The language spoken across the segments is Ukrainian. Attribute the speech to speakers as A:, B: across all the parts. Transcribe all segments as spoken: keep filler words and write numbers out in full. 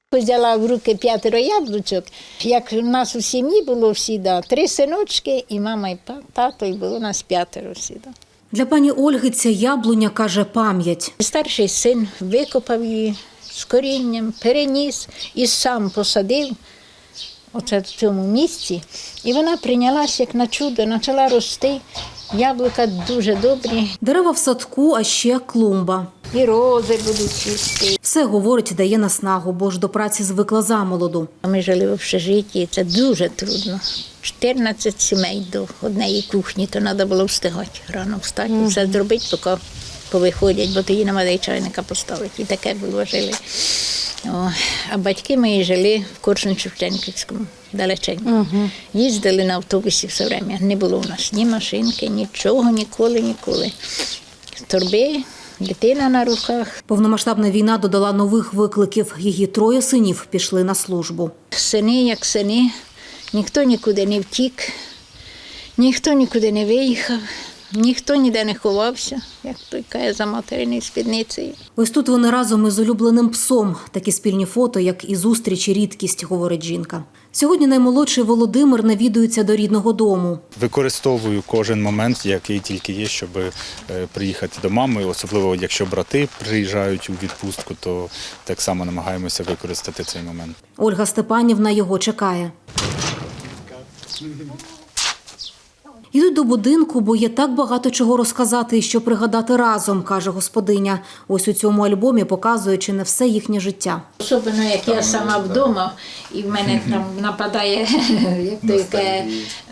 A: Взяла в руки п'ятеро яблучок. Як у нас у сім'ї було всі, да, три синочки, і мама, і тато, і було у нас п'ятеро всі. Да.
B: Для пані Ольги ця яблуня, каже, пам'ять.
A: Старший син викопав її з корінням, переніс і сам посадив оце в цьому місці. І вона прийнялася як на чудо, почала рости. Яблука дуже добрі.
B: Дерева в садку, а ще клумба.
A: І рози будуть цвісти.
B: Все, говорить, дає наснагу, бо ж до праці звикла замолоду.
A: Ми жили в общежитті, це дуже трудно. чотирнадцять сімей до однієї кухні, то треба було встигати рано встати, mm-hmm. все зробити, поки повиходять, бо тоді нема де чайника поставити. І таке було, жили. О, а батьки мої жили в Корсунь-Шевченківському, далеченько. Uh-huh. Їздили на автобусі все время. Не було у нас ні машинки, нічого, ніколи, ніколи. Торби, дитина на руках.
B: Повномасштабна війна додала нових викликів. Її троє синів пішли на службу.
A: Сини як сини, ніхто нікуди не втік, ніхто нікуди не виїхав. Ніхто ніде не ховався, як той каже, за материною спідницею.
B: Ось тут вони разом із улюбленим псом. Такі спільні фото, як і зустрічі, рідкість, говорить жінка. Сьогодні наймолодший Володимир навідується до рідного дому.
C: Використовую кожен момент, який тільки є, щоб приїхати до мами. Особливо, якщо брати приїжджають у відпустку, то так само намагаємося використати цей момент.
B: Ольга Степанівна його чекає. Йдуть до будинку, бо є так багато чого розказати і що пригадати разом, каже господиня. Ось у цьому альбомі показує чи не все їхнє життя.
A: Особливо, як я сама вдома, і в мене там нападає, як то яке,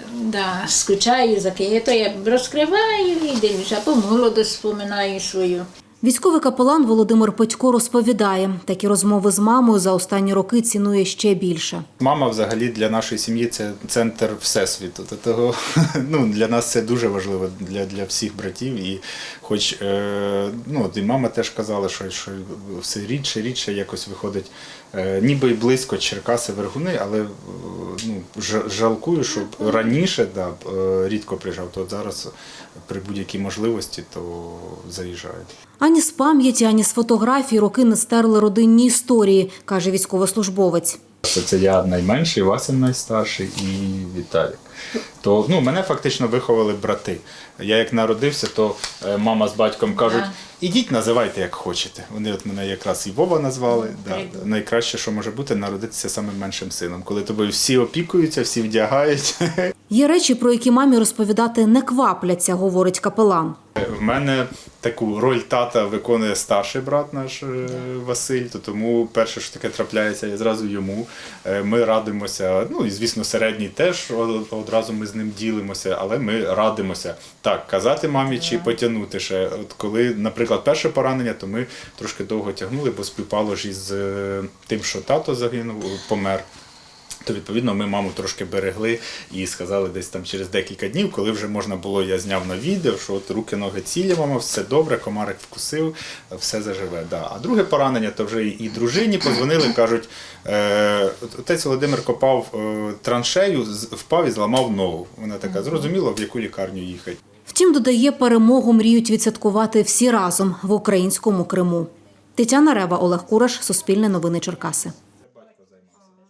A: да, скучаю за ким, то я розкриваю і дивлюся, або молодость споминаю свою.
B: Військовий капелан Володимир Петько розповідає, такі розмови з мамою за останні роки цінує ще більше.
C: Мама взагалі для нашої сім'ї – це центр всесвіту. Того, ну, для нас це дуже важливо, для, для всіх братів. І хоч е, ну, і мама теж казала, що, що все рідше, рідше якось виходить, е, ніби й близько Черкаси, Вергуни, але ну, жалкую, що раніше да, рідко приїжджав, то зараз при будь-якій можливості то заїжджають.
B: Ані з пам'яті, ані з фотографій роки не стерли родинні історії, каже військовослужбовець.
C: Це я найменший, Василь найстарший і Віталік. То, ну, мене фактично виховали брати. Я як народився, то мама з батьком кажуть, ідіть, називайте як хочете. Вони от мене якраз і Вова назвали. Да. Найкраще, що може бути, народитися самим меншим сином. Коли тобою всі опікуються, всі вдягають.
B: Є речі, про які мамі розповідати не квапляться, говорить капелан.
C: В мене таку роль тата виконує старший брат наш Василь, то тому перше, що таке трапляється, я зразу йому. Ми радимося, ну і звісно середній теж, одразу ми з ним ділимося, але ми радимося. Так, казати мамі чи потягнути ще. От коли, наприклад, перше поранення, то ми трошки довго тягнули, бо співпало ж із тим, що тато загинув, помер. То, відповідно, ми маму трошки берегли і сказали десь там через декілька днів, коли вже можна було, я зняв на відео, що от руки-ноги цілі, мама, все добре, комарик вкусив, все заживе. Да. А друге поранення, то вже і дружині подзвонили, кажуть, е, отець Володимир копав е, траншею, впав і зламав ногу. Вона така, зрозуміла, в яку лікарню їхати.
B: Втім, додає, перемогу мріють відсвяткувати всі разом в українському Криму. Тетяна Рева, Олег Кураш, Суспільне новини Черкаси.